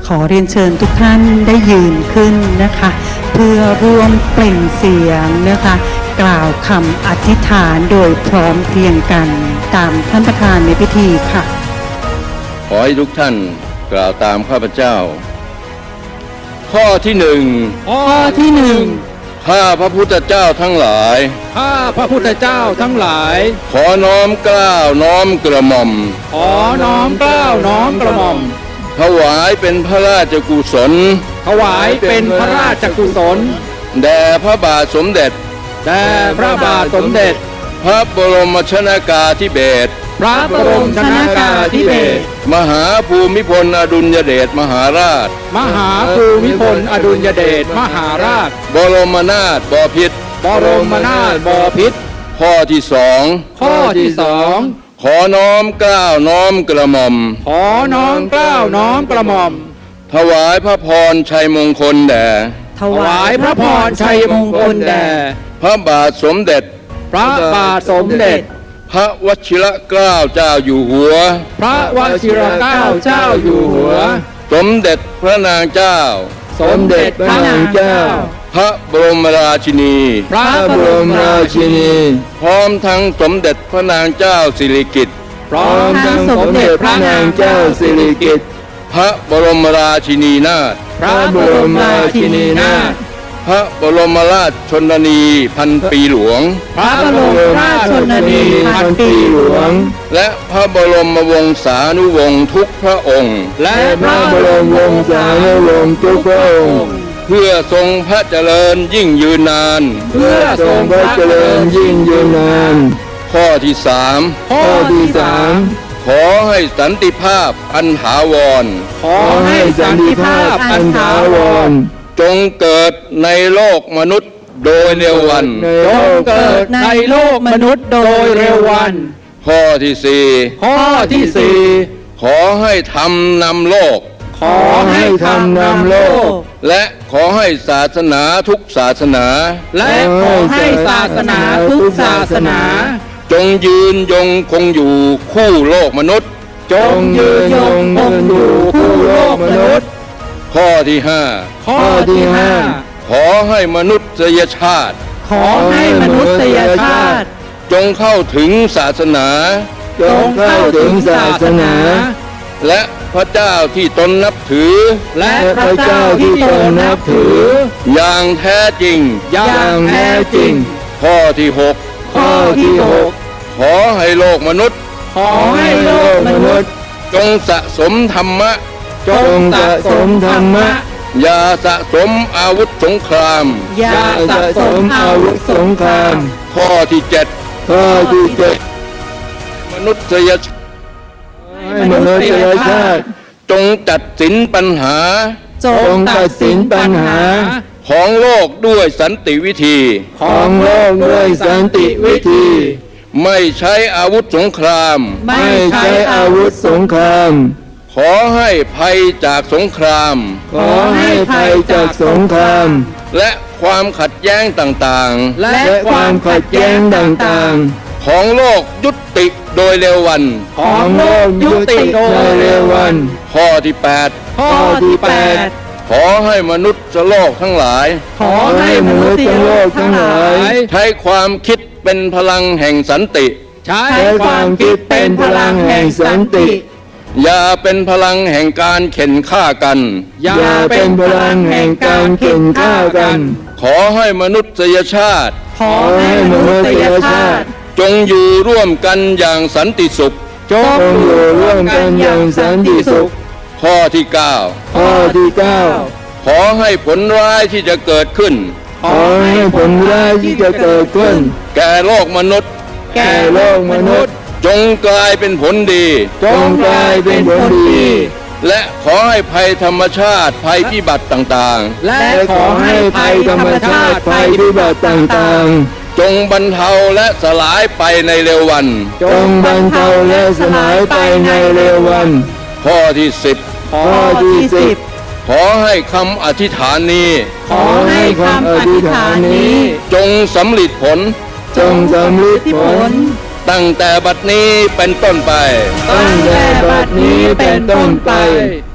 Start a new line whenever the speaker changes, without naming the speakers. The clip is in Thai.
ขอเรียนเชิญทุกท่านได้ยืนขึ้นนะคะเพื่อร่วมเปล่งเสียงนะคะกล่าวคำอธิษฐานโดยพร้อมเพรียงกันตามท่านประธานในพิธีค่ะ
ขอให้ทุกท่านกล่าวตามข้าพเจ้าข้อที่หนึ่งข้าพระพุทธเจ้าทั้งหลาย
ข้าพระพุทธเจ้าทั้งหลาย
ขอน้อมเกล้าน้อมกระหม่อม
ขอน้อมเกล้าน้อมกระหม่อม
ถวายเป็นพระราชกุศล
ถวายเป็นพระราชกุศล
แด่พระบาทสมเด็จพระบรมชนกาธิเบศรมหาภูมิพลอดุลยเดชมหาราชบรมนาถบพิตรข้อที่สองขอน้อมเกล้าน้อมกระหม่อมถวายพระพรชัยมงคลแด่พระบาทสมเด็จพระวชิรเกล้าเจ้าอยู่หัวสมเด็จพระนางเจ้าพระบรมราชินีพร้อมทั้งสมเด็จพระนางเจ้าสิริกิติ์พระบรมราชินีนาถพระบรมราชชนนีพันปีหลวงและพระบรมวงศานุวงศ์ทุกพระองค์เพื่อทรงพระเจริญยิ่งยืนนานข้อที่สามขอให้สันติภาพอันถาวรจงเกิดในโลกมนุษย์โดยเร็ววันข้อที่สี่ขอให้ธรรมนำโลกและขอให้ศาสนาทุกศาสนาจงยืนยงคงอยู่คู่โลกมนุษย์ข้อที่ห้าขอให้มนุษยชาติจงเข้าถึงศาสนาและพระเจ้าที่ตนนับถืออย่างแท้จริงข้อที่หกขอให้โลกมนุษย์จงสะสมธรรมะอย่าสะสมอาวุธสงครามข้อที่เจ็ดมนุษยชาติจงตัดสินปัญหาของโลกด้วยสันติวิธีไม่ใช้อาวุธสงครามขอให้ภัยจากสงครามและความขัดแย้งต่างๆของโลกยุติโดยเร็ววันข้อที่แปดขอให้มนุษย์โลกทั้งหลายใช้ความคิดเป็นพลังแห่งสันติอย่าเป็นพลังแห่งการเข็นฆ่ากันขอให้มนุษยชาติจงอยู่ร่วมกันอย่างสันติสุขข้อที่เก้าขอให้ผลร้ายที่จะเกิดขึ้นแก่โลกมนุษย์จงกลายเป็นผลดีและขอให้ภัยธรรมชาติภัยพิบัติต่างๆจงบรรเทาและสลายไปในเร็ววันข้อที่สิบขอให้คำอธิษฐานนี้จงสำลิดผลตั้งแต่บัดนี้เป็นต้นไป